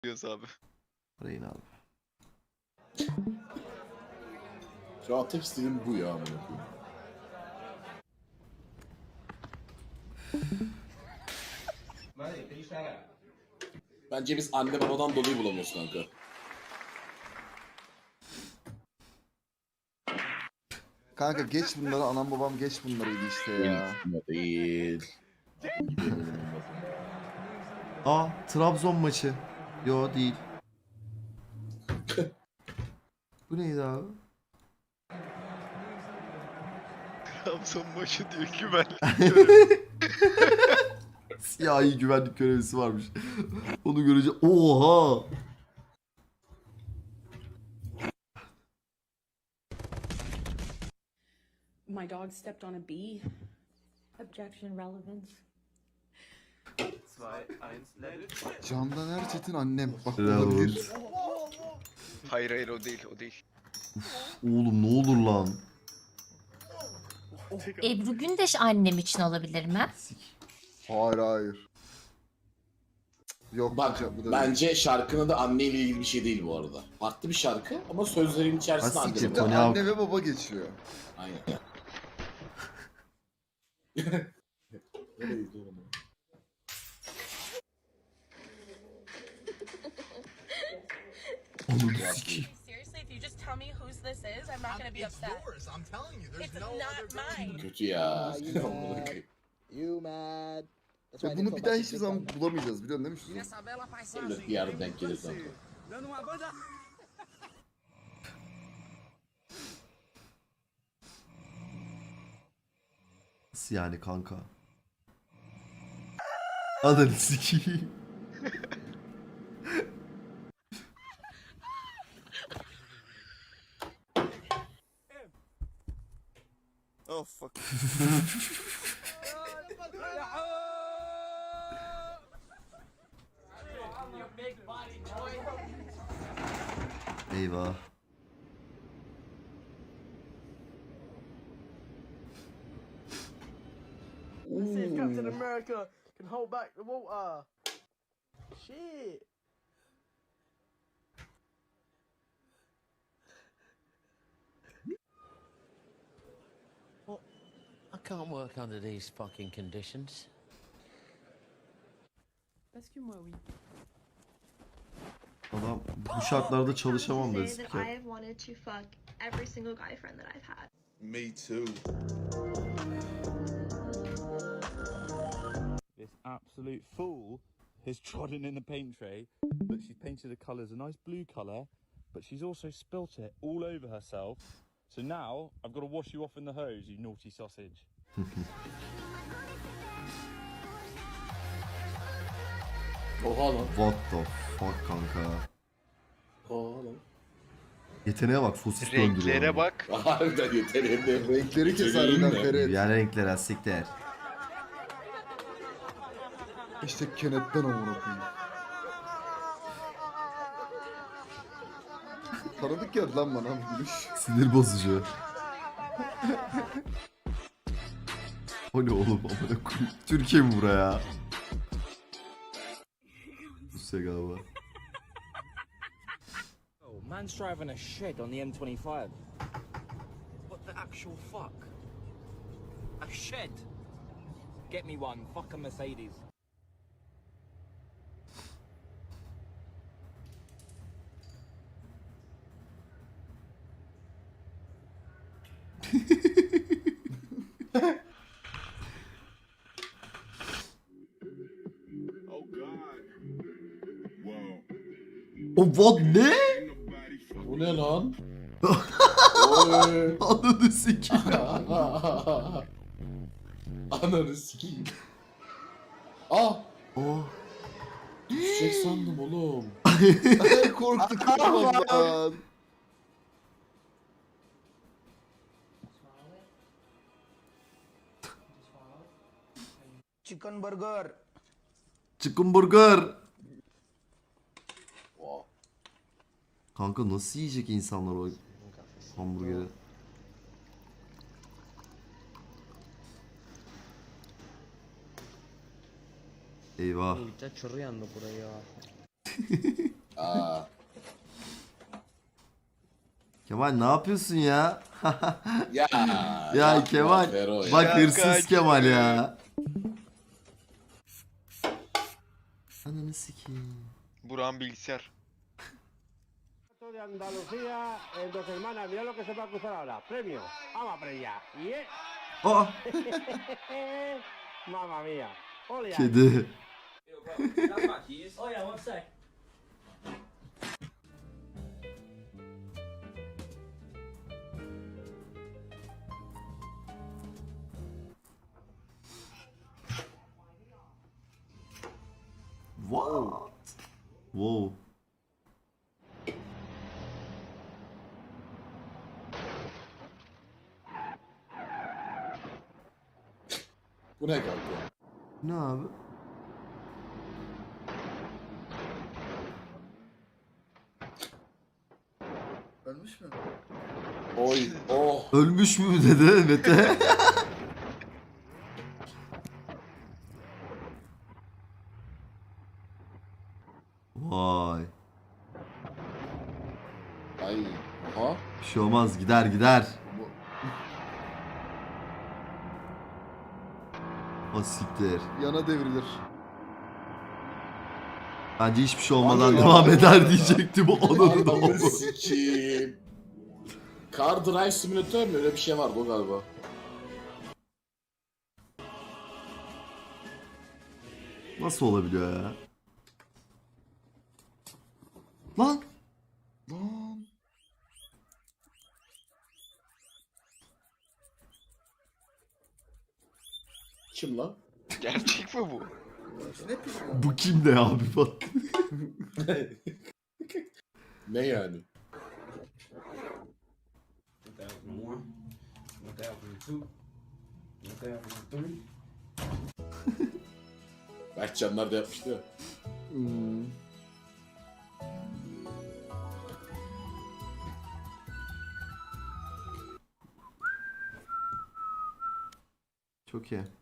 diyoruz abi. Arayın abi. Şu an tek istediğim bu ya. amına koyayım. Bence biz anne babadan dolayı bulamıyoruz kanka. Kanka geç bunları, anam babam geç bunlarıydı işte ya. Değil. Aa, Trabzon maçı. Yo değil. Bu neydi abi? Trabzon maçı diyor güven. Siyahi güvenlik görevlisi varmış. Onu görünce oha! My dog stepped on a bee. Objection relevance. Candan Erçetin annem. Bak Bravo. olabilir. Hayır o değil o değil. Oğlum ne olur lan. Ebru Gündeş annem için olabilir mi? Sik. Hayır hayır. Yok Bak bu da bence şarkının da anneyle ilgili bir şey değil bu arada. Farklı bir şarkı ama sözlerin içerisinde Ha, anne siktir, baba. Tony değil. Hawk. Anne ve baba geçiyor. Aynen. Nereydi oğlum? Onu sikeyim. Seriously, if you just tell me whose this is, I'm not gonna be upset. Yours, I'm telling you. There's It's no not other mine. Kötü ya. you Amına mad? koyayım. You mad? That's why I Ve didn't bunu bir put daha my hiçbir dick zaman on. bulamayacağız biliyorsun değil mi Şuzan? Elbet bir yerde denk gelir kanka. Nasıl yani kanka? Adını sikeyim. Oh fuck. Eyvah. Let's see if Captain America can hold back the water. Shit. I can't work under these fucking conditions. Excuse-moi, oui. Adam bu şartlarda çalışamam da say that I siker. have wanted to fuck every single guy friend that I've had. Me too. This absolute fool has trodden in the paint tray. Look, she's painted the colours a nice blue colour, but she's also spilt it all over herself. So now I've got to wash you off in the hose, you naughty sausage. Oha lan. What the fuck kanka. Oha lan. Yeteneğe bak, sosis döndürüyor. Renklere bak. Harbiden yeteneğinde. Renkleri kes harbiden Ferit. Yani renklere siktir. İşte kenetten amına koyayım. Tanıdık geldi lan bana bu gülüş. Sinir bozucu. O ne oğlum amına koyayım. Türkiye mi buraya? Rusya galiba. Oh, man's driving a shed on the M25. What the actual fuck? A shed? Get me one. Fuck a Mercedes. O what ne? Bu ne lan? Oy. Ananı sikeyim. Ananı sikeyim. Ah! Oh. Düşecek sandım oğlum. Korktuk lan. Chicken burger. Chicken burger. Wow. Kanka nasıl yiyecek insanlar o hamburgeri? Eyvah. Già ci rianno pure io. Aa, Kemal ne yapıyorsun ya? ya. Ya yapma Kemal. Fero ya. Bak Ya hırsız kaç Kemal ya. ya. Ananı sikeyim. Burak'ın bilgisayar. De Andalucía, en Dos Hermanas, mira lo que se va a cruzar ahora. Premio. Vamos para allá. Yeah. Aa, Mamma mía. Ole. kedi. Oh yeah, one sec. What? Wow. Bu ne kanka? Ne abi? Ölmüş mü? Oy, oh. Ölmüş mü dedi Mete? Vay. Ay, aha. Bir şey olmaz, gider gider. O siktir. Yana devrilir. Bence hiçbir şey olmadan Abi ya. devam eder diyecektim. Onun da Ananı oldu. sikeyim. Car Drive Simulator mi? Öyle bir şey vardı o galiba. Nasıl olabiliyor ya? Lan! Lan. Kim lan? Gerçek mi bu? Ne pişman? Bu kim ne abi falan. Ne yani? Berkcanlar da yapmıştı ya. Hmm. Çok iyi.